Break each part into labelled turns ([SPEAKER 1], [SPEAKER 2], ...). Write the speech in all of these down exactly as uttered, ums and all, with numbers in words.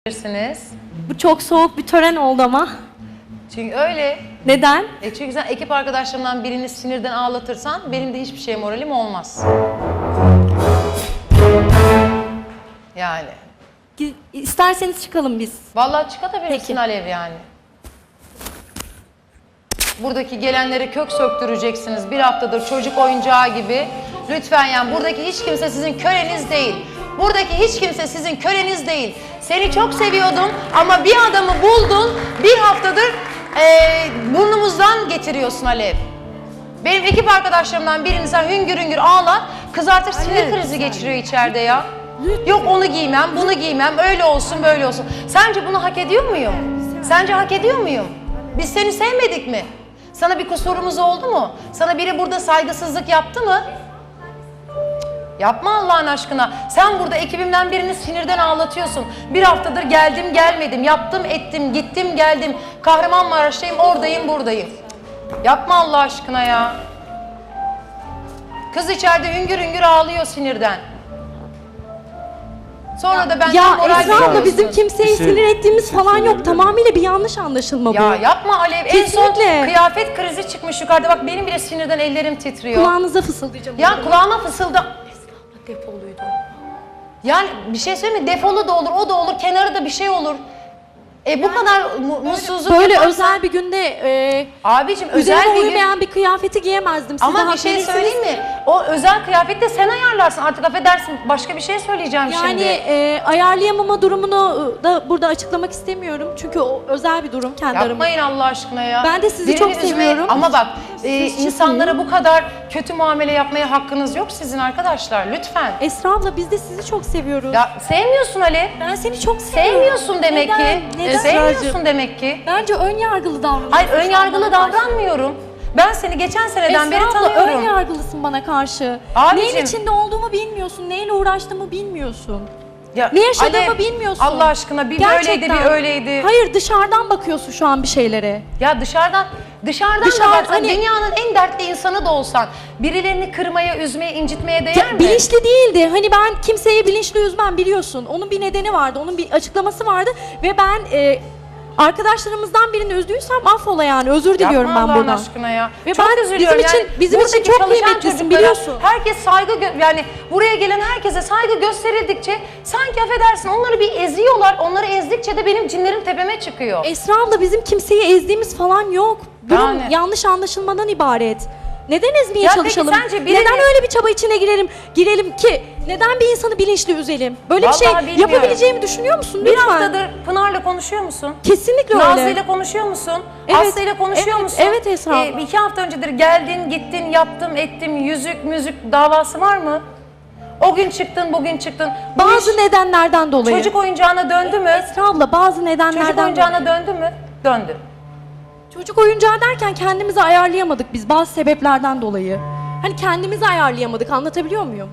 [SPEAKER 1] Bilirsiniz.
[SPEAKER 2] Bu çok soğuk bir tören oldu ama.
[SPEAKER 1] Çünkü öyle.
[SPEAKER 2] Neden?
[SPEAKER 1] E çünkü sen ekip arkadaşlarımdan birini sinirden ağlatırsan benim de hiçbir şeye moralim olmaz. Yani.
[SPEAKER 2] İsterseniz çıkalım biz.
[SPEAKER 1] Vallahi çıkabilirsin
[SPEAKER 2] Peki.
[SPEAKER 1] Alev yani. Buradaki gelenlere kök söktüreceksiniz. Bir haftadır çocuk oyuncağı gibi. Lütfen yani buradaki hiç kimse sizin köleniz değil. Buradaki hiç kimse sizin köleniz değil. Seni çok seviyordum ama bir adamı buldun. Bir haftadır ee, burnumuzdan getiriyorsun Alev. Benim ekip arkadaşlarımdan birini sen hüngür hüngür ağlar. Kız artık sinir krizi geçiriyor içeride ya. Yok onu giymem, bunu giymem, öyle olsun, böyle olsun. Sence bunu hak ediyor muyum? Sence hak ediyor muyum? Biz seni sevmedik mi? Sana bir kusurumuz oldu mu? Sana biri burada saygısızlık yaptı mı? Yapma Allah'ın aşkına. Sen burada ekibimden birini sinirden ağlatıyorsun. Bir haftadır geldim gelmedim, yaptım ettim, gittim geldim. Kahramanmaraş'tayım, oradayım, buradayım. Yapma Allah aşkına ya. Kız içeride hüngür hüngür ağlıyor sinirden. Sonra da benden
[SPEAKER 2] Ya
[SPEAKER 1] moral
[SPEAKER 2] Esra abla
[SPEAKER 1] veriyorsun.
[SPEAKER 2] bizim kimseyi
[SPEAKER 3] Bir şey-
[SPEAKER 2] sinir ettiğimiz
[SPEAKER 3] bir şey
[SPEAKER 2] falan yok.
[SPEAKER 3] söyleyebilir miyim?
[SPEAKER 2] Tamamıyla bir yanlış anlaşılma bu.
[SPEAKER 1] Ya yapma Alev. En son
[SPEAKER 2] Kesinlikle.
[SPEAKER 1] kıyafet krizi çıkmış yukarıda. Bak benim bile sinirden ellerim titriyor.
[SPEAKER 2] Kulağınıza fısıldayacağım.
[SPEAKER 1] Ya kulağıma fısıldı.
[SPEAKER 2] Esra abla defoluydu.
[SPEAKER 1] Yani bir şey söyleyeyim mi? Defolu da olur, o da olur, kenarı da bir şey olur. E bu kadar mu mutsuzluk
[SPEAKER 2] Böyle
[SPEAKER 1] yaparsan-
[SPEAKER 2] özel bir günde e,
[SPEAKER 1] Abicim
[SPEAKER 2] üzerime
[SPEAKER 1] özel bir gün...
[SPEAKER 2] uymayan bir kıyafeti giyemezdim. Siz de
[SPEAKER 1] Ama bir
[SPEAKER 2] hak
[SPEAKER 1] şey
[SPEAKER 2] verirsiniz.
[SPEAKER 1] söyleyeyim mi? O özel kıyafeti de sen ayarlarsın. Artık affedersin. Başka bir şey söyleyeceğim
[SPEAKER 2] Yani
[SPEAKER 1] şimdi.
[SPEAKER 2] e, ayarlayamama durumunu da burada açıklamak istemiyorum. Çünkü o özel bir durum kendi aramızda.
[SPEAKER 1] Yapmayın Allah aşkına ya.
[SPEAKER 2] Ben de sizi
[SPEAKER 1] Birini
[SPEAKER 2] çok
[SPEAKER 1] üzmeyin.
[SPEAKER 2] seviyorum.
[SPEAKER 1] Ama bak e,
[SPEAKER 2] Siz
[SPEAKER 1] insanlara bu kadar kötü muamele yapmaya hakkınız yok sizin arkadaşlar. Lütfen.
[SPEAKER 2] Esra abla biz de sizi çok seviyoruz.
[SPEAKER 1] Ya sevmiyorsun Ali.
[SPEAKER 2] Ben seni çok seviyorum.
[SPEAKER 1] Sevmiyorsun demek
[SPEAKER 2] Neden?
[SPEAKER 1] ki.
[SPEAKER 2] Neden?
[SPEAKER 1] Sevmiyorsun demek ki.
[SPEAKER 2] Bence ön yargılı davranıyorsun.
[SPEAKER 1] Hayır ön yargılı
[SPEAKER 2] Bana karşı.
[SPEAKER 1] davranmıyorum. Ben seni geçen seneden beri
[SPEAKER 2] Esra abla ön
[SPEAKER 1] tanıyorum.
[SPEAKER 2] yargılısın bana karşı.
[SPEAKER 1] Abicim.
[SPEAKER 2] Neyin içinde olduğumu bilmiyorsun, neyle uğraştığımı bilmiyorsun.
[SPEAKER 1] Ya,
[SPEAKER 2] Ne yaşadığımı
[SPEAKER 1] Alev,
[SPEAKER 2] bilmiyorsun.
[SPEAKER 1] Allah aşkına bir
[SPEAKER 2] Gerçekten.
[SPEAKER 1] böyleydi bir öyleydi.
[SPEAKER 2] Hayır dışarıdan bakıyorsun şu an bir şeylere.
[SPEAKER 1] Ya dışarıdan dışarıdan
[SPEAKER 2] Dışarı-
[SPEAKER 1] da baksan
[SPEAKER 2] hani-
[SPEAKER 1] dünyanın en dertli insanı da olsan birilerini kırmaya, üzmeye, incitmeye değer
[SPEAKER 2] Ya,
[SPEAKER 1] mi?
[SPEAKER 2] bilinçli değildi. Hani ben kimseyi bilinçli üzmem biliyorsun. Onun bir nedeni vardı, onun bir açıklaması vardı ve ben e, arkadaşlarımızdan birini üzdüysem affola yani özür diliyorum
[SPEAKER 1] Yapma
[SPEAKER 2] ben
[SPEAKER 1] Allah'ın
[SPEAKER 2] buradan.
[SPEAKER 1] aşkına ya.
[SPEAKER 2] Ve
[SPEAKER 1] çok
[SPEAKER 2] ben
[SPEAKER 1] üzülüyorum
[SPEAKER 2] bizim için
[SPEAKER 1] yani.
[SPEAKER 2] bizim için
[SPEAKER 1] Buradaki
[SPEAKER 2] çok
[SPEAKER 1] çalışan
[SPEAKER 2] kıymetlisin
[SPEAKER 1] çocuklara
[SPEAKER 2] biliyorsun.
[SPEAKER 1] Herkes saygı gö- yani buraya gelen herkese saygı gösterildikçe sanki affedersin onları bir eziyorlar. Onları ezdikçe de benim cinlerim tepeme çıkıyor.
[SPEAKER 2] Esra abla bizim kimseyi ezdiğimiz falan yok. Durum
[SPEAKER 1] Yani.
[SPEAKER 2] yanlış anlaşılmadan ibaret. Neden ezmeye
[SPEAKER 1] Ya peki
[SPEAKER 2] çalışalım?
[SPEAKER 1] sence birini-
[SPEAKER 2] Neden öyle bir çaba içine girelim, girelim ki? Neden bir insanı bilinçli üzelim? Böyle
[SPEAKER 1] Vallahi
[SPEAKER 2] bir şey
[SPEAKER 1] bilmiyorum.
[SPEAKER 2] yapabileceğimi düşünüyor musun?
[SPEAKER 1] Bir
[SPEAKER 2] Lütfen.
[SPEAKER 1] haftadır Pınar'la konuşuyor musun?
[SPEAKER 2] Kesinlikle öyle.
[SPEAKER 1] Nazlı'yla konuşuyor musun?
[SPEAKER 2] Evet,
[SPEAKER 1] Aslı'yla konuşuyor
[SPEAKER 2] evet,
[SPEAKER 1] musun?
[SPEAKER 2] evet Esra abla.
[SPEAKER 1] iki hafta öncedir geldin, gittin, yaptım, ettim, yüzük, müzik davası var mı? O gün çıktın, bugün çıktın. Bu
[SPEAKER 2] Bazı
[SPEAKER 1] iş
[SPEAKER 2] nedenlerden dolayı.
[SPEAKER 1] çocuk oyuncağına döndü mü?
[SPEAKER 2] Esra abla bazı nedenlerden
[SPEAKER 1] Çocuk oyuncağına döndü mü? Döndü.
[SPEAKER 2] Çocuk oyuncağı derken kendimizi ayarlayamadık biz bazı sebeplerden dolayı. Hani kendimizi ayarlayamadık, anlatabiliyor muyum?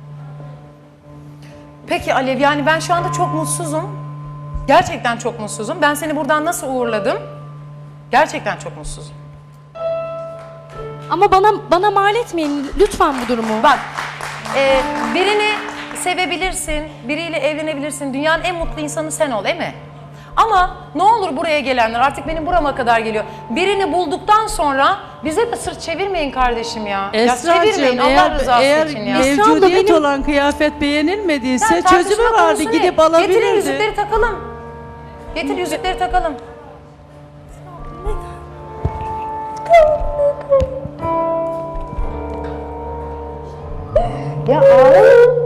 [SPEAKER 1] Peki Alev, yani ben şu anda çok mutsuzum. Gerçekten çok mutsuzum. Ben seni buradan nasıl uğurladım? Gerçekten çok mutsuzum.
[SPEAKER 2] Ama bana bana mal etmeyin lütfen bu durumu.
[SPEAKER 1] Bak, e, birini sevebilirsin, biriyle evlenebilirsin. Dünyanın en mutlu insanı sen ol, değil mi? Ama ne olur buraya gelenler, artık benim burama kadar geliyor. Birini bulduktan sonra bize de sırt çevirmeyin kardeşim ya. Ya çevirmeyin Allah
[SPEAKER 3] eğer,
[SPEAKER 1] rızası
[SPEAKER 3] eğer
[SPEAKER 1] için ya.
[SPEAKER 2] Esra abla,
[SPEAKER 3] mevcudiyet
[SPEAKER 2] benim-
[SPEAKER 3] olan kıyafet beğenilmediyse
[SPEAKER 1] Sen tartışma
[SPEAKER 3] çözümü vardı,
[SPEAKER 1] konusu ne?
[SPEAKER 3] gidip
[SPEAKER 1] Getirin
[SPEAKER 3] alabilirdi.
[SPEAKER 1] yüzükleri takalım. Getir yüzükleri takalım. Ya ağlama.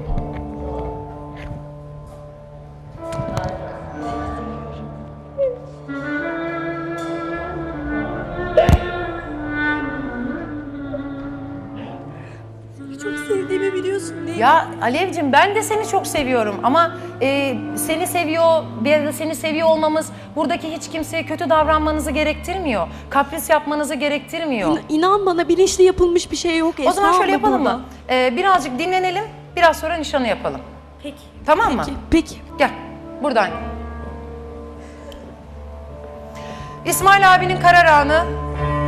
[SPEAKER 2] Çok sevdiğimi biliyorsun değil mi?
[SPEAKER 1] Ya Alevcim ben de seni çok seviyorum ama e, seni seviyor, bir de seni seviyor olmamız buradaki hiç kimseye kötü davranmanızı gerektirmiyor. Kapris yapmanızı gerektirmiyor.
[SPEAKER 2] İn- İnan bana bilinçli yapılmış bir şey yok Esra
[SPEAKER 1] O zaman şöyle
[SPEAKER 2] abla
[SPEAKER 1] yapalım
[SPEAKER 2] burada.
[SPEAKER 1] mı? E, birazcık dinlenelim, biraz sonra nişanı yapalım.
[SPEAKER 2] Peki.
[SPEAKER 1] Tamam mı?
[SPEAKER 2] Peki. Peki.
[SPEAKER 1] Gel, buradan. İsmail abinin karar anı.